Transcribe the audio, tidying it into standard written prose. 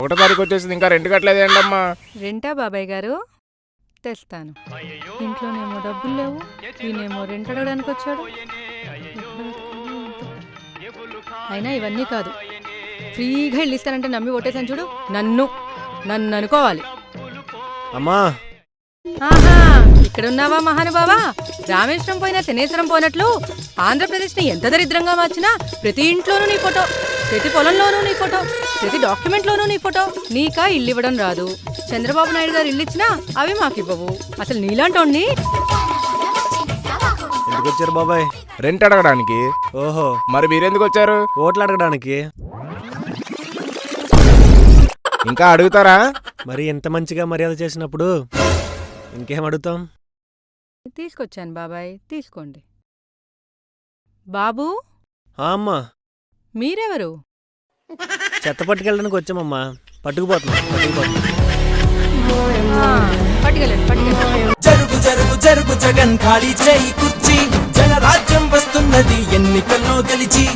ఒకటో తారీఖు వచ్చేసింది, ఇంకా రెంట్ కట్టలేదేంటమ్మా? రెంటా బాబాయ్ గారు? తెస్తాను. ఇంట్లోనేమో డబ్బులు లేవు, ఈయనేమో రెంట్ అడగడానికి వచ్చాడు. అయినా ఇవన్నీ కాదు, ఫ్రీగా ఇల్లు ఇస్తానంటే నమ్మి ఓటేసాను చూడు. నన్ను అనుకోవాలి. అమ్మా ఆహా, ఇక్కడున్నావా మహానుభావా? రామేశ్వరం పోయినా శనేశ్వరం పోయినట్లు ఆంధ్రప్రదేశ్ని ఎంత దరిద్రంగా మార్చినా ప్రతి ఇంట్లోనూ నీ ఫోటో, ప్రతి పొలంలోనూ నీ ఫోటో, ప్రతి డాక్యుమెంట్లోనూ నీ ఫోటో. నీకా ఇల్లు ఇవ్వడం రాదు. చంద్రబాబు నాయుడు గారు ఇల్లు ఇచ్చినా అవి మాకివ్వవు. అసలు నీలాంటోడిని. ఎందుకు వచ్చారు బాబాయ్? రెంట్ అడగడానికి. ఓహో, మరి మీరెందుకు వచ్చారు? ఓట్లు అడగడానికి. ఇంకా అడుగుతారా? మరి ఎంత మంచిగా మర్యాద చేసినప్పుడు ఇంకేం అడుగుతాం? తీసుకొచ్చాను బాబాయ్, తీసుకోండి. బాబూ, అమ్మా మీరెవరు? చెత్త పట్టుకెళ్ళడానికి వచ్చామమ్మా. పట్టుకుపోతున్నాం. పట్టుకెళ్ళండి. జరుగు జరుగు జరుగు జగన్ ఖాళీ చేయి కుర్చీ, జనరాజ్యం వస్తున్నది ఎన్నికల్లో గెలిచి.